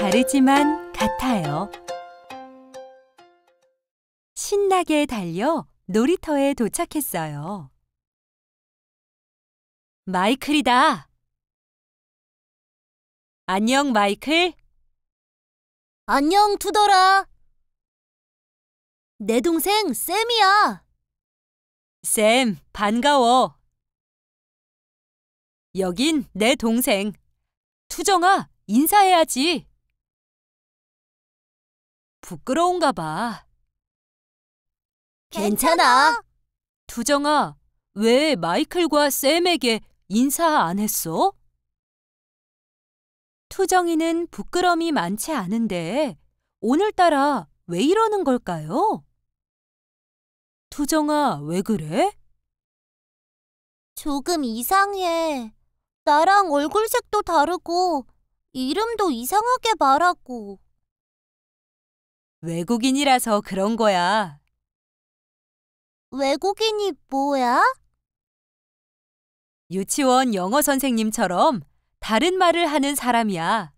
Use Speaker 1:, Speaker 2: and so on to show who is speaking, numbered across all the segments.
Speaker 1: 다르지만 같아요. 신나게 달려 놀이터에 도착했어요. 마이클이다. 안녕, 마이클.
Speaker 2: 안녕, 투덜아. 내 동생 샘이야.
Speaker 1: 샘, 반가워. 여긴 내 동생. 투정아, 인사해야지. 부끄러운가 봐.
Speaker 2: 괜찮아.
Speaker 1: 투정아, 왜 마이클과 샘에게 인사 안 했어? 투정이는 부끄럼이 많지 않은데 오늘따라 왜 이러는 걸까요? 투정아, 왜 그래?
Speaker 2: 조금 이상해. 나랑 얼굴색도 다르고 이름도 이상하게 말하고.
Speaker 1: 외국인이라서 그런 거야.
Speaker 2: 외국인이 뭐야?
Speaker 1: 유치원 영어 선생님처럼 다른 말을 하는 사람이야.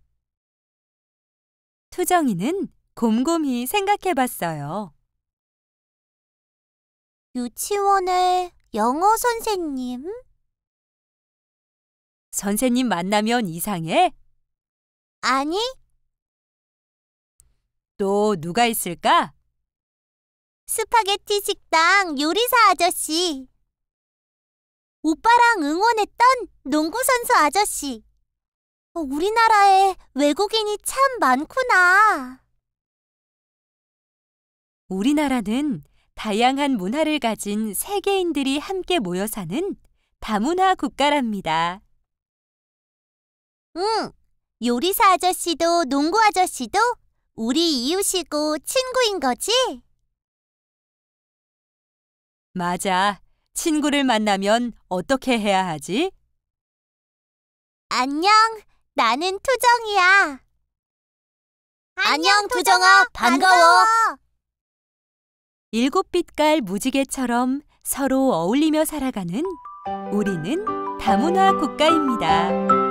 Speaker 1: 투정이는 곰곰이 생각해 봤어요.
Speaker 2: 유치원의 영어 선생님?
Speaker 1: 선생님 만나면 이상해?
Speaker 2: 아니,
Speaker 1: 또 누가 있을까?
Speaker 2: 스파게티 식당 요리사 아저씨. 오빠랑 응원했던 농구선수 아저씨. 우리나라에 외국인이 참 많구나.
Speaker 1: 우리나라는 다양한 문화를 가진 세계인들이 함께 모여 사는 다문화 국가랍니다.
Speaker 2: 응, 요리사 아저씨도 농구 아저씨도 우리 이웃이고 친구인 거지?
Speaker 1: 맞아. 친구를 만나면 어떻게 해야 하지?
Speaker 2: 안녕, 나는 투정이야. 안녕, 투정아, 반가워.
Speaker 1: 7빛깔 무지개처럼 서로 어울리며 살아가는 우리는 다문화 국가입니다.